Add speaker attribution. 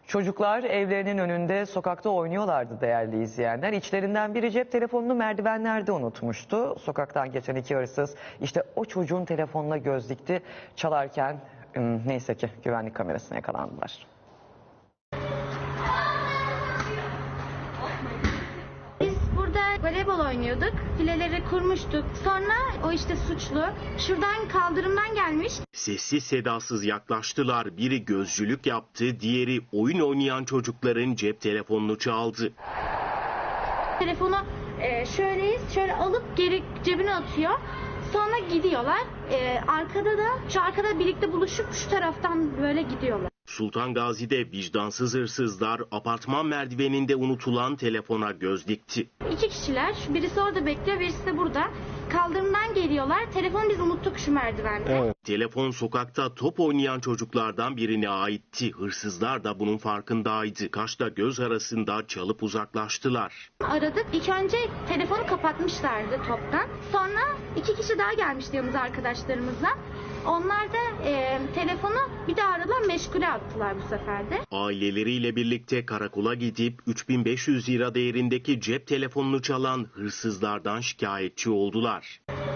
Speaker 1: Çocuklar evlerinin önünde sokakta oynuyorlardı değerli izleyenler. İçlerinden biri cep telefonunu merdivenlerde unutmuştu. Sokaktan geçen iki hırsız işte o çocuğun telefonuna göz dikti. Çalarken neyse ki güvenlik kamerasına yakalandılar.
Speaker 2: Biz burada voleybol oynuyorduk. Fileleri kurmuştuk. Sonra o işte suçlu şuradan kaldırımdan gelmiş.
Speaker 3: Sessiz sedasız yaklaştılar. Biri gözcülük yaptı, diğeri oyun oynayan çocukların cep telefonunu çaldı.
Speaker 2: Telefonu şöyle alıp geri cebine atıyor. Sonra gidiyorlar. Arkada birlikte buluşup şu taraftan böyle gidiyorlar.
Speaker 3: Sultan Gazi'de vicdansız hırsızlar apartman merdiveninde unutulan telefona göz dikti.
Speaker 2: İki kişiler. Birisi orada bekliyor, birisi de burada. Kaldırımdan geliyorlar. Telefonu biz unuttuk şu merdivende.
Speaker 3: Evet. Telefon sokakta top oynayan çocuklardan birine aitti. Hırsızlar da bunun farkındaydı. Kaşla göz arasında çalıp uzaklaştılar.
Speaker 2: Aradık. İlk önce telefonu kapatmışlardı toptan. Sonra iki kişi daha gelmişti yanımıza arkadaşlarımızla. Onlar da telefonu bir daha aradılar, meşgule attılar bu sefer de.
Speaker 3: Aileleriyle birlikte karakola gidip 3500 lira değerindeki cep telefonunu çalan hırsızlardan şikayetçi oldular.